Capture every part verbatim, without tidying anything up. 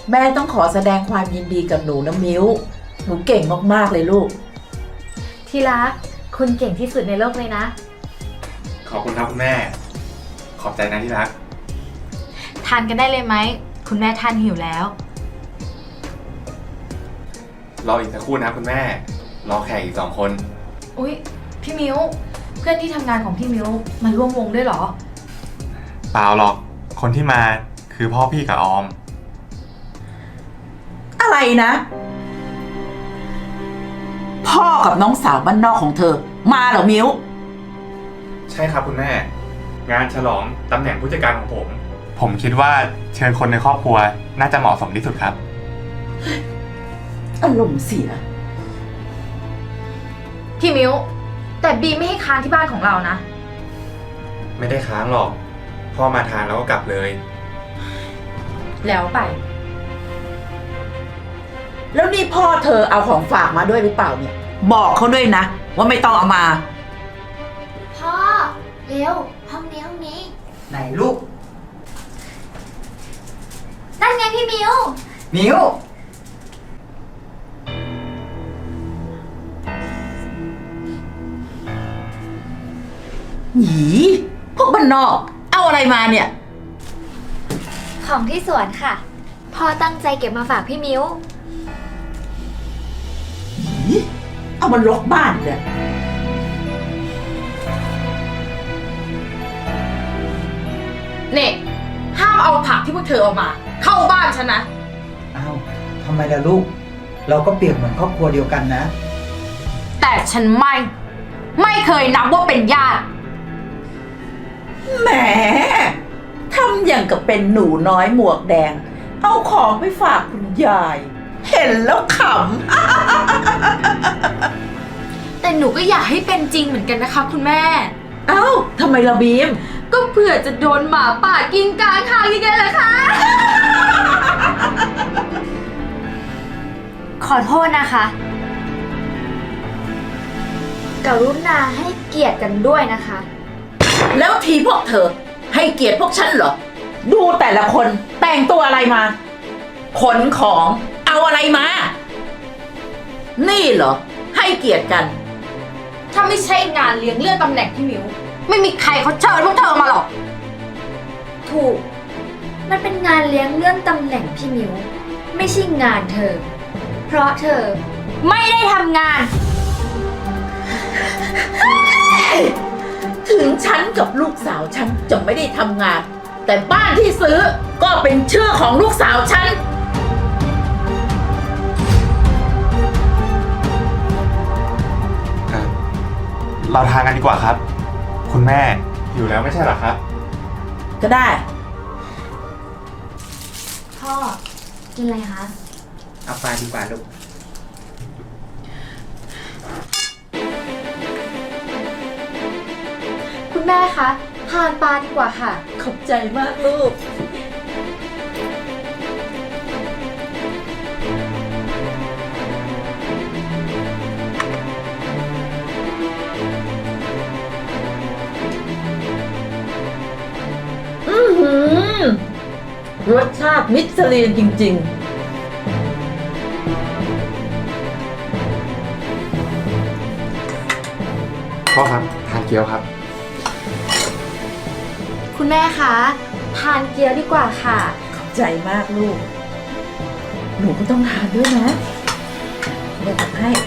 แม่ต้องขอแสดงความยินดีกับหนูนะมิ้วหนูเก่งมากๆเลยลูกที่รักคุณเก่งที่สุดในโลกเลยนะขอบคุณครับคุณแม่ขอบใจนะที่รักทานกันได้เลยไหมคุณแม่ทานหิวแล้วรออีกสักครู่นะคุณแม่รอแขกอีกสองคนอุ๊ยพี่มิ้วเพื่อนที่ทำงานของพี่มิ้วมาร่วมวงด้วยเหรอเปล่าหรอกคนที่มาคือพ่อพี่กับออมอะไรนะพ่อกับน้องสาวบ้านนอกของเธอมาเหรอมิ้วใช่ครับคุณแม่งานฉลองตำแหน่งผู้จัดการของผมผมคิดว่าเชิญคนในครอบครัวน่าจะเหมาะสมที่สุดครับอารมณ์เสียพี่มิ้วแต่บีไม่ให้ค้างที่บ้านของเรานะไม่ได้ค้างหรอกพ่อมาทานแล้วก็กลับเลยแล้วไปแล้วนี่พ่อเธอเอาของฝากมาด้วยหรือเปล่าเนี่ยบอกเขาด้วยนะว่าไม่ต้องเอามาพ่อเร็วห้องนี้ห้องนี้ไหนลูกนั่นไงพี่มิวมิวหยีพวกบ้านนอกเอาอะไรมาเนี่ยของที่สวนค่ะพ่อตั้งใจเก็บมาฝากพี่มิวหยีเอามันรกบ้านเลยเนี่ยห้ามเอาผักที่พวกเธอเอามาเข้าบ้านฉันนะอ้าวทำไมล่ะลูกเราก็เปรียบเหมือนครอบครัวเดียวกันนะแต่ฉันไม่ไม่เคยนับว่าเป็นญาติแหมทำอย่างกับเป็นหนูน้อยหมวกแดงเอาของไปฝากคุณยายเห็นแล้วขำแต่หนูก็อยากให้เป็นจริงเหมือนกันนะคะคุณแม่เอ้าทำไมล่ะบีมก็เผื่อจะโดนหมาป่ากินกลางทางยังไงล่ะคะขอโทษนะคะกรุณาให้เกียรติกันด้วยนะคะแล้วทีพวกเธอให้เกียรติพวกฉันเหรอดูแต่ละคนแต่งตัวอะไรมาขนของเอาอะไรมานี่เหรอให้เกียรติกันถ้าไม่ใช่งานเลี้ยงเลื่อนตำแหน่งพี่มิวไม่มีใครเขาเชิญพวกเธอมาหรอกถูกมันเป็นงานเลี้ยงเลื่อนตำแหน่งพี่มิวไม่ใช่งานเธอเพราะเธอไม่ได้ทำงานถึงฉันกับลูกสาวฉันจะไม่ได้ทำงานแต่บ้านที่ซื้อก็เป็นชื่อของลูกสาวฉันเราทานกันดีกว่าครับคุณแม่อยู่แล้วไม่ใช่หรอครับก็ได้พ่อกินอะไรคะเอาปลาดีกว่าลูกคุณแม่คะทานปลาดีกว่าค่ะขอบใจมากลูกอือหือรสชาติมิชลินจริงๆพ่อครับทานเกี๊ยวครับคุณแม่คะทานเกี๊ยวดีกว่าค่ะขอบใจมากลูกหนูก็ต้องทานด้วยนะเดี๋ยวทำให้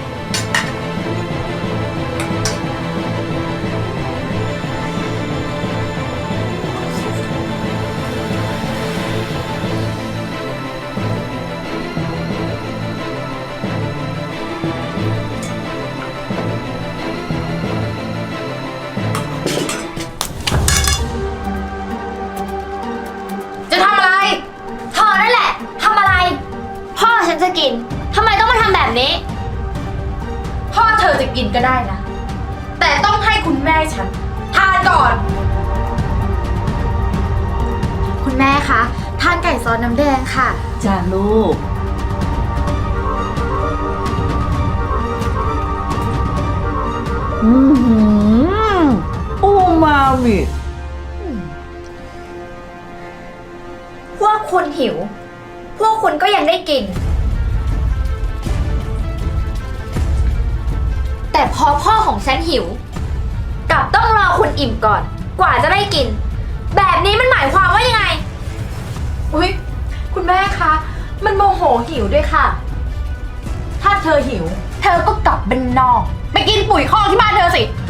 จะกินทำไมต้องมาทำแบบนี้พ่อเธอจะกินก็ได้นะแต่ต้องให้คุณแม่ฉันทานก่อนคุณแม่คะทานไก่ซอสน้ำแดงค่ะจ้าลูกอืมอูมามิพวกคุณหิวพวกคุณก็ยังได้กิน แต่พอพ่อของฉันหิวกลับต้องรอคุณอิ่มก่อน กว่าจะได้กิน แบบนี้มันหมายความว่ายังไงอุ๊ย คุณแม่คะ มันโมโหหิวด้วยค่ะถ้าเธอหิวเธอก็กลับบ้านนอก ไปกินปุ๋ยคอกที่บ้านเธอสิ ไป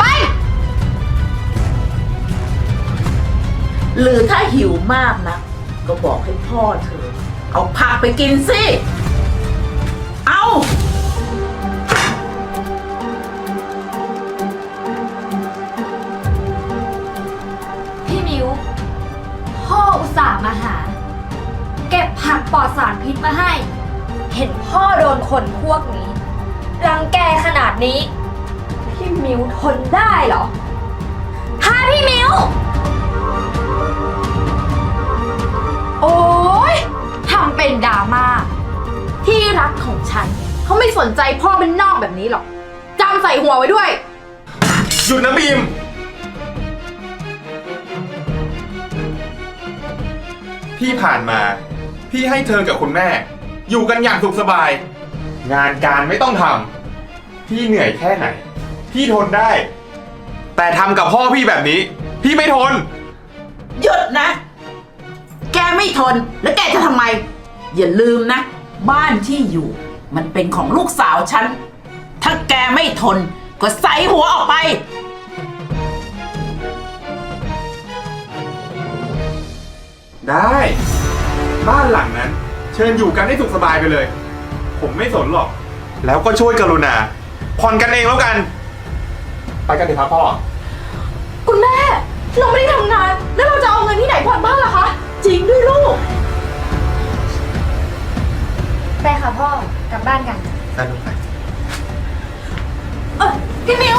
หรือถ้าหิวมากนะ ก็บอกให้พ่อเธอ เอาผักไปกินสิ เอาพี่มิวพ่ออุตส่าห์มาหา เก็บผักปลอดสารพิษมาให้ เห็นพ่อโดนคนพวกนี้ รังแกขนาดนี้ พี่มิวทนได้เหรอถ้าพี่มิวโอ๊ยทำเป็นดราม่า ที่รักของฉัน เขาไม่สนใจพ่อเป็นนอกแบบนี้หรอกจำใส่หัวไว้ด้วยหยุดนะบีม ที่ผ่านมา พี่ให้เธอกับคุณแม่ อยู่กันอย่างสุขสบาย งานการไม่ต้องทำพี่เหนื่อยแค่ไหน พี่ทนได้ แต่ทำกับพ่อพี่แบบนี้ พี่ไม่ทนหยุดนะ แกไม่ทน แล้วแกจะทำไม อย่าลืมนะ บ้านที่อยู่ มันเป็นของลูกสาวฉัน ถ้าแกไม่ทน ก็ใส่หัวออกไปได้ บ้านหลังนั้น เชิญอยู่กันให้สุขสบายไปเลย ผมไม่สนหรอก แล้วก็ช่วยกรุณาผ่อนกันเองแล้วกัน ไปกันเถอะครับพ่อคุณแม่ เราไม่ได้ทำงาน แล้วเราจะเอาเงินที่ไหนผ่อนบ้านล่ะคะจริงด้วยลูกไปค่ะพ่อกลับบ้านกันได้ลูกไปเออพี่มิว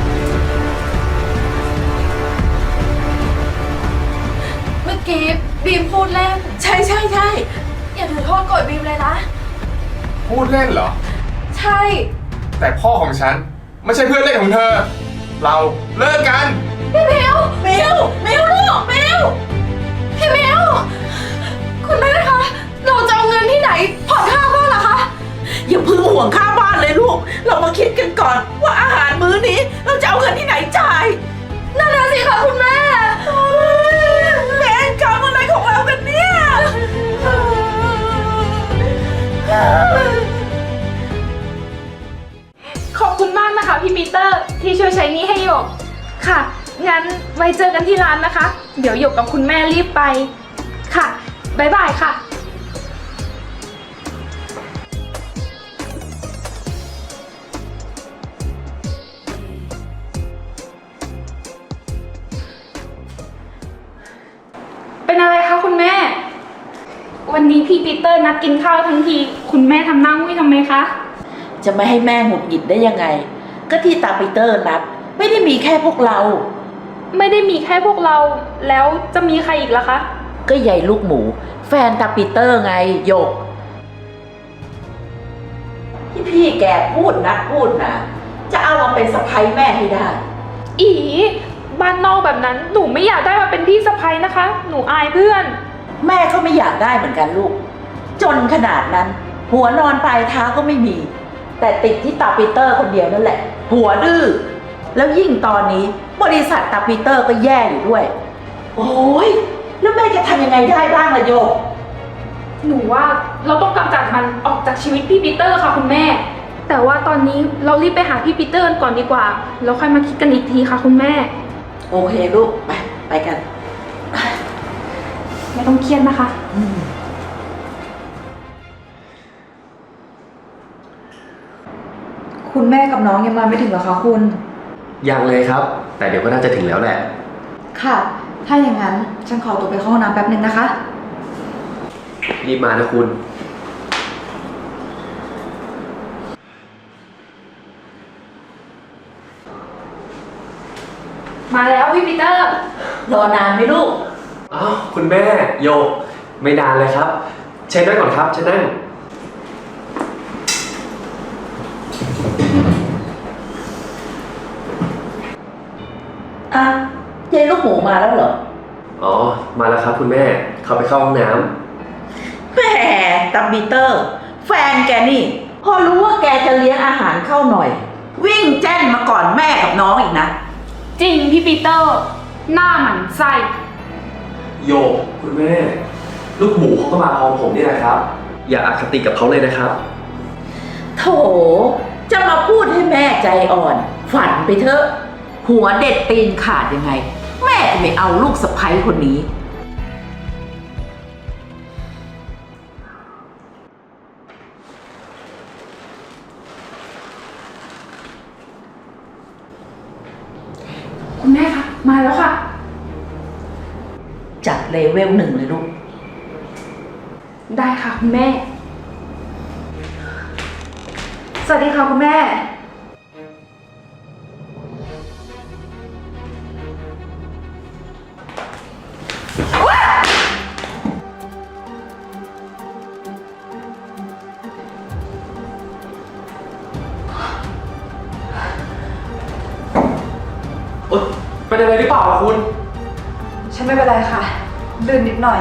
เมื่อกี้บีมพูดเล่นใช่ใช่ใช่อย่าถือโทษโกรธบีมเลยนะพูดเล่นเหรอใช่แต่พ่อของฉัน ไม่ใช่เพื่อนเล่นของเธอ เราเลิกกันพี่มิวมิวมิวลูกมิวพี่มิว คุณแม่คะ เราจะเอาเงินที่ไหนผ่อนค่าบ้านล่ะคะอย่าเพึ่งห่วงค่าบ้านเลยลูก เรามาคิดกันก่อน ว่าอาหารมื้อนี้ เราจะเอาเงินที่ไหนจ่ายนั่นน่ะสิคะคุณแม่แม่กรรมอะไรของเรากันเนี่ยขอบคุณมากนะคะพี่ปีเตอร์ที่ช่วยใช้หนี้ให้หยก ค่ะ งั้นไว้เจอกันที่ร้านนะคะ เดี๋ยวหยกกับคุณแม่รีบไป ค่ะ บ๊ายบายค่ะ เป็นอะไรคะคุณแม่ วันนี้พี่ปีเตอร์นัดกินข้าวทั้งที คุณแม่ทำหน้ามุ้ยทำไมคะจะไม่ให้แม่หงุดหงิดได้ยังไง ก็ที่ตาปีเตอร์นัด ไม่ได้มีแค่พวกเราไม่ได้มีแค่พวกเรา แล้วจะมีใครอีกล่ะคะก็ใหญ่ลูกหมู แฟนตาปีเตอร์ไงโยก ที่พี่แกพูดนักพูดนะจะเอามาเป็นสะใภ้แม่ให้ได้อีบ้านนอกแบบนั้นหนูไม่อยากได้มาเป็นพี่สะใภ้นะคะ หนูอายเพื่อนแม่ก็ไม่อยากได้เหมือนกันลูก จนขนาดนั้น หัวนอนปลายเท้าก็ไม่มี แต่ติดที่ตาปีเตอร์คนเดียวนั่นแหละ หัวดื้อแล้วยิ่งตอนนี้บริษัทตาปีเตอร์ก็แย่อยู่ด้วย โอ้ยแล้วแม่จะทำยังไงได้บ้างล่ะโยกหนูว่าเราต้องกำจัดมันออกจากชีวิตพี่ปีเตอร์ค่ะคุณแม่ แต่ว่าตอนนี้เรารีบไปหาพี่ปีเตอร์กันก่อนดีกว่าแล้วค่อยมาคิดกันอีกทีค่ะคุณแม่โอเคลูกไปไปกันไม่ต้องเครียดนะคะอืมคุณแม่กับน้องยังมาไม่ถึงเหรอคะคุณยังเลยครับ แต่เดี๋ยวก็น่าจะถึงแล้วแหละค่ะ ถ้าอย่างนั้นฉันขอตัวไปเข้าห้องน้ำแป๊บนึงนะคะรีบมานะคุณมาแล้วพี่ปีเตอร์รอนานไหมลูกอ้าวคุณแม่โยกไม่นานเลยครับเชิญนั่งก่อนครับเชิญนั่งอ่ะยายลูกหมูมาแล้วเหรออ๋อ มาแล้วครับคุณแม่ เข้าไปเข้าห้องน้แหมตับปีเตอร์ แฟนแกนี่ พอรู้ว่าแกจะเลี้ยงอาหารเข้าหน่อย วิ่งแจ้นมาก่อนแม่กับน้องอีกนะจริงพี่ปีเตอร์ หน้าหมันไส้โยกคุณแม่ ลูกหมูเขาก็มาพร้อมผมนี่แหละครับ อย่าอคติกับเขาเลยนะครับโถ จะมาพูดให้แม่ใจอ่อน ฝันไปเถอะ หัวเด็ดตีนขาดยังไง แม่จะไม่เอาลูกสะใภ้คนนี้คุณแม่คะมาแล้วค่ะจัดเลเวลหนึ่งเลยลูกได้ค่ะคุณแม่สวัสดีค่ะคุณแม่เอ้ยเป็นอะไรหรือเปล่าล่ะคุณฉันไม่เป็นไรค่ะลื่นนิดหน่อย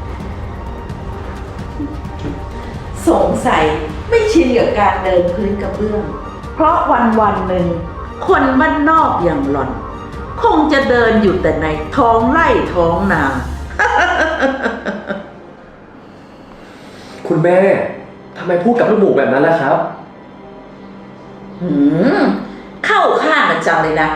สงสัยไม่ชินกับการเดินพื้นกระเบื้อง เพราะวันวันหนึ่ง คนบ้านนอกอย่างหล่อน คงจะเดินอยู่แต่ในท้องไร่ท้องนาคุณแม่ทำไมพูดกับลูกหมูแบบนั้นล่ะครับหืม เข้าข้างกันจังเลยนะ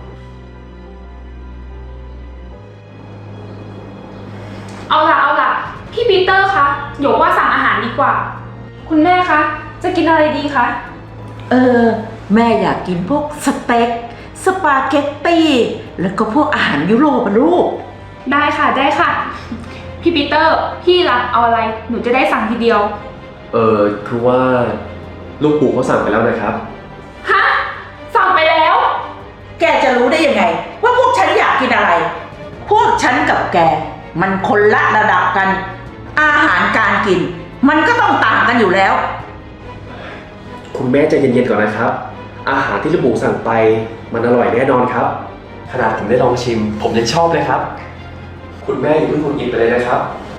เอาล่ะเอาล่ะ พี่ปีเตอร์คะหยกว่าสั่งอาหารดีกว่า คุณแม่คะ จะกินอะไรดีคะเออ แม่อยากกินพวกสเต็ก สปาเกตตี้ แล้วก็พวกอาหารยุโรปอะลูกได้ค่ะได้ค่ะ พี่ปีเตอร์ พี่รับเอาอะไร หนูจะได้สั่งทีเดียวเออคือว่าลูกหมูเขาสั่งไปแล้วนะครับฮะ สั่งไปแล้วแกจะรู้ได้ยังไง ว่าพวกฉันอยากกินอะไร พวกฉันกับแก มันคนละระดับกัน อาหารการกิน มันก็ต้องต่างกันอยู่แล้วคุณแม่ใจเย็นๆก่อนนะครับ อาหารที่ลูกหมูสั่งไปมันอร่อยแน่นอนครับ ขนาดผมได้ลองชิม ผมยังชอบเลยครับ คุณแม่อย่าเพิ่งหงุดหงิดไปเลยนะครับ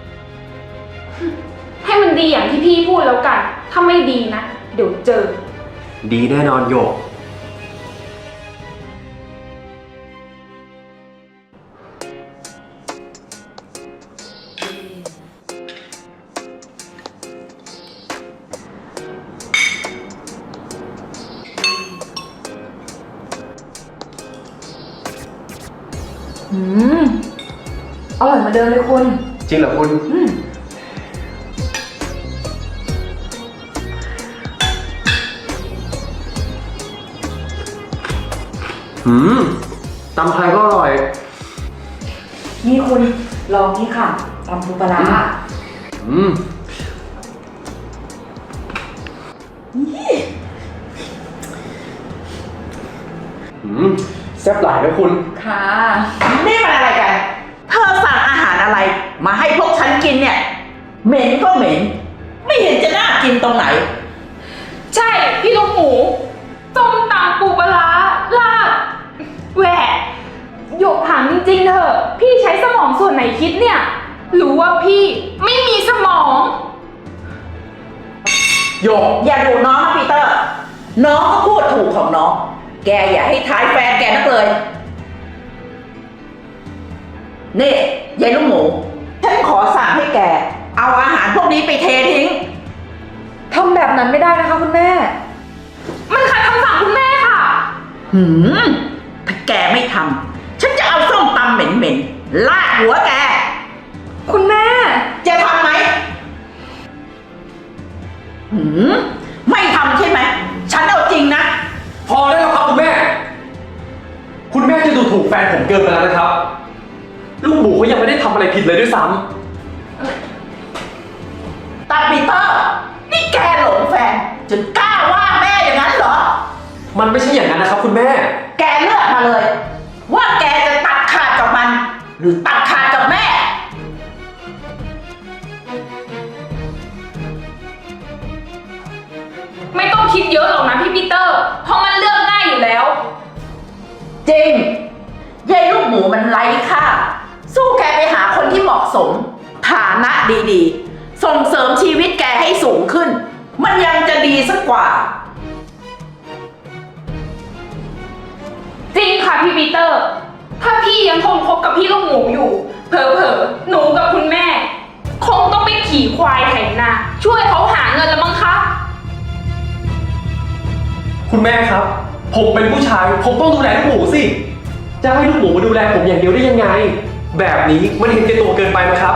ให้มันดีอย่างที่พี่พูดแล้วกัน ถ้าไม่ดีนะ เดี๋ยวเจอดีแน่นอนโยกอืม อร่อยเหมาเดิมเลยคุณจริงเหรอคุณอืมหืมตำไทยก็อร่อยนี่คุณลองนี่ค่ะตำปูปลาร้าอืม อืมแซ่บหลายนะคุณค่ะนี่มันอะไรกัน เธอสั่งอาหารอะไร มาให้พวกฉันกินเนี่ย เหม็นก็เหม็น ไม่เห็นจะน่ากินตรงไหนใช่ พี่ลูกหมูส้มตำปูปลาร้าลาบแหวะหยกถามจริงๆเถอะ พี่ใช้สมองส่วนไหนคิดเนี่ย หรือว่าพี่ไม่มีสมองโยกอย่าดูน้องนะปีเตอร์ น้องก็พูดถูกของน้อง แกอย่าให้ท้ายแฟนแกนักเลย นี่ยายลูกหมู ฉันขอสั่งให้แก เอาอาหารพวกนี้ไปเททิ้งทำแบบนั้นไม่ได้นะคะคุณแม่มันขัดคำสั่งคุณแม่ค่ะหืม ถ้าแกไม่ทำ ฉันจะเอาส้มตำเหม็นๆ ลาดหัวแกคุณแม่จะทำไหม หืม ไม่ทำใช่ไหม ฉันเอาจริงนะพอได้แล้วครับคุณแม่ คุณแม่จะดูถูกแฟนผมเกินไปแล้วนะครับ ลูกหมูเขายังไม่ได้ทำอะไรผิดเลยด้วยซ้ำตาปีเตอร์ นี่แกหลงแฟน จนกล้าว่าแม่อย่างนั้นเหรอมันไม่ใช่อย่างนั้นนะครับคุณแม่แกเลือกมาเลย ว่าแกจะตัดขาดกับมัน หรือตัดขาดกับแม่ไม่ต้องคิดเยอะหรอกนะพี่ปีเตอร์ เพราะมันเลือกง่ายอยู่แล้วจริงยายลูกหมูมันไร้ค่า สู้แกไปหาคนที่เหมาะสม ฐานะดีๆส่งเสริมชีวิตแกให้สูงขึ้น มันยังจะดีสักกว่าจริงค่ะพี่ปีเตอร์ ถ้าพี่ยังทนคบกับพี่ลูกหมูอยู่ เผลอๆหนูกับคุณแม่ คงต้องไปขี่ควายไถนาช่วยเขาหาเงินแล้วมั้งคะคุณแม่ครับ ผมเป็นผู้ชาย ผมต้องดูแลลูกหมูสิ จะให้ลูกหมูมาดูแลผมอย่างเดียวได้ยังไง แบบนี้มันเห็นแก่ตัวเกินไปไหมครับ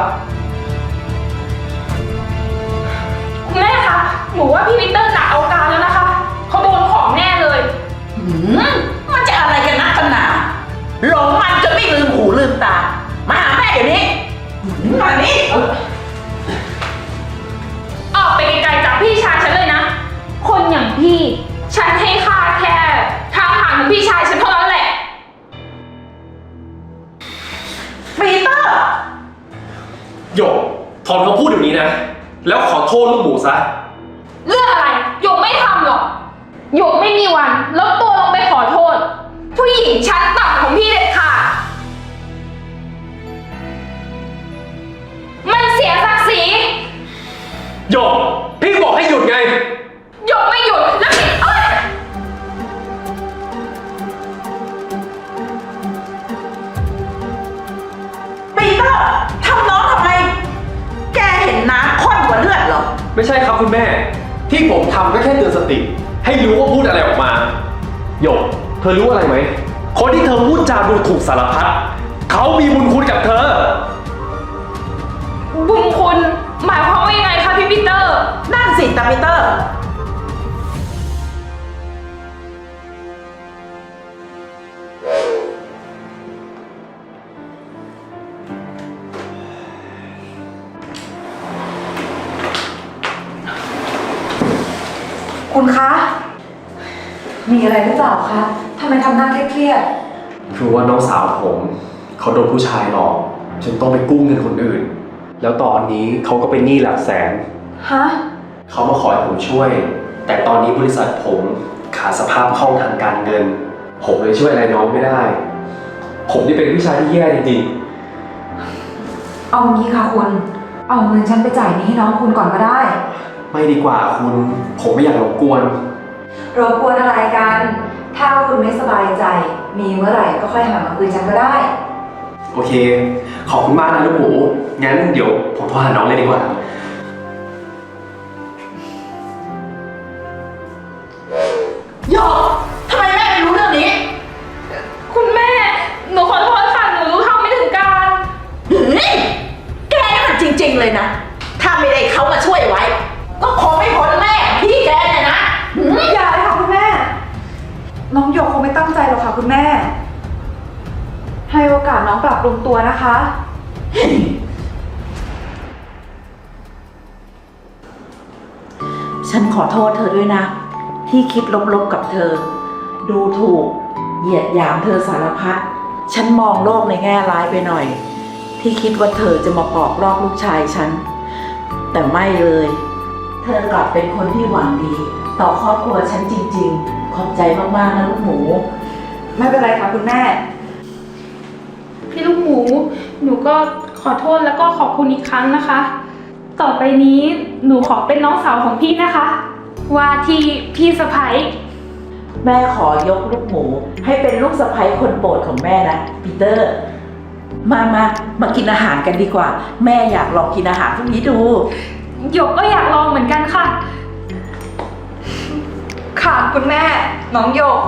คุณแม่คะ หนูว่าพี่ปีเตอร์หนักเอาการแล้วนะคะ เขาโดนของแน่เลยหืมมันจะอะไรกันนักกันหนาหลงมันจนไม่ลืมหูลืมตา มาหาแม่เดี๋ยวนี้หืมมานี่ออกไปไกลๆจากพี่ชายฉันเลยนะ คนอย่างพี่ ฉันให้ค่าแค่ทางผ่านของพี่ชายฉันเท่านั้นแหละปีเตอร์หยกถอนคำพูดเดี๋ยวนี้นะ แล้วขอโทษลูกหมูซะเรื่องอะไรหยกไม่ทำหรอกหยกไม่มีวันลดตัวลงไปขอโทษ ผู้หญิงชั้นต่ำของพี่เด็ดขาดมันเสียศักดิ์ศรีหยก พี่บอกให้หยุดไงหยกไม่หยุดแล้วพี่เอ้ยปีเตอร์ทำน้องทำไม แกเห็นน้ำข้นกว่าเลือดเหรอไม่ใช่ครับคุณแม่ ที่ผมทำก็แค่เตือนสติ ให้รู้ว่าพูดอะไรออกมา หยก เธอรู้อะไรไหม คนที่เธอพูดจาดูถูกสารพัดเขามีบุญคุณกับเธอบุญคุณหมายความว่ายังไงคะพี่ปีเตอร์นั่นสิตาปีเตอร์คุณคะ มีอะไรหรือเปล่าคะทำไมทำหน้าเครียดคือว่าน้องสาวผมเขาโดนผู้ชายหลอกจนต้องไปกู้เงินคนอื่น แล้วตอนนี้เขาก็เป็นหนี้หลักแสนๆฮะเขามาขอให้ผมช่วย แต่ตอนนี้บริษัทผมขาดสภาพคล่องทางการเงิน ผมเลยช่วยอะไรน้องไม่ได้ ผมนี่เป็นผู้ชายที่แย่จริงเอางี้ค่ะคุณ เอาเงินฉันไปจ่ายหนี้ให้น้องคุณก่อนก็ได้ๆ ไม่ดีกว่าคุณ ผมไม่อยากรบกวนรบกวนอะไรกัน ถ้าคุณไม่สบายใจ มีเมื่อไหร่ก็ค่อยหามาคืนฉันก็ได้โอเค ขอบคุณมากนะลูกหมู งั้นเดี๋ยวผมโทรหาน้องเลยดีกว่าหยกทำไมแม่ไม่รู้เรื่องนี้คุณแม่ หนูขอโทษค่ะ หนูรู้เท่าไม่ถึงการหืมแกนี่มันจริง ๆ เลยนะ ถ้าไม่ได้เขามาช่วยไว้ ก็คงไม่พ้นแม่พี่แกเนี่ยนะหืมอย่าเลยค่ะคุณแม่ น้องหยกคงไม่ตั้งใจหรอกค่ะคุณแม่ ให้โอกาสน้องปรับปรุงตัวนะคะฉันขอโทษเธอด้วยนะ ที่คิดลบๆกับเธอ ดูถูก เหยียดหยามเธอสารพัด ฉันมองโลกในแง่ร้ายไปหน่อย ที่คิดว่าเธอจะมาปอกลอกลูกชายฉัน แต่ไม่เลย เธอกลับเป็นคนที่หวังดี ต่อครอบครัวฉันจริงๆ ขอบใจมากๆนะลูกหมูไม่เป็นไรค่ะคุณแม่พี่ลูกหมู หนูก็ขอโทษแล้วก็ขอบคุณอีกครั้งนะคะ ต่อไปนี้หนูขอเป็นน้องสาวของพี่นะคะ ว่าที่พี่สะใภ้แม่ขอยกลูกหมู ให้เป็นลูกสะใภ้คนโปรดของแม่นะปีเตอร์ มามามากินอาหารกันดีกว่า แม่อยากลองกินอาหารพวกนี้ดูหยกก็อยากลองเหมือนกันค่ะค่ะคุณแม่ น้องหยก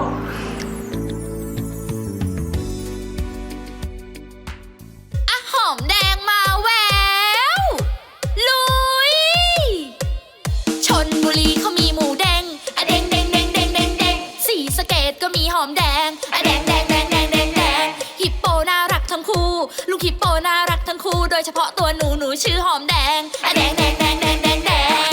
อะหอมแดงมาแววลุยชนบุรีเขามีหมูแดงอะแดงแดงแดงแดงแดงแดงสีสะเกดก็มีหอมแดงอะแดงแดงแดงแดงแดงแดงฮิปโปน่ารักทั้งคู่ลูกฮิปโปน่ารักทั้งคู่โดยเฉพาะตัวหนูหนูชื่อหอมแดงอะแดงแด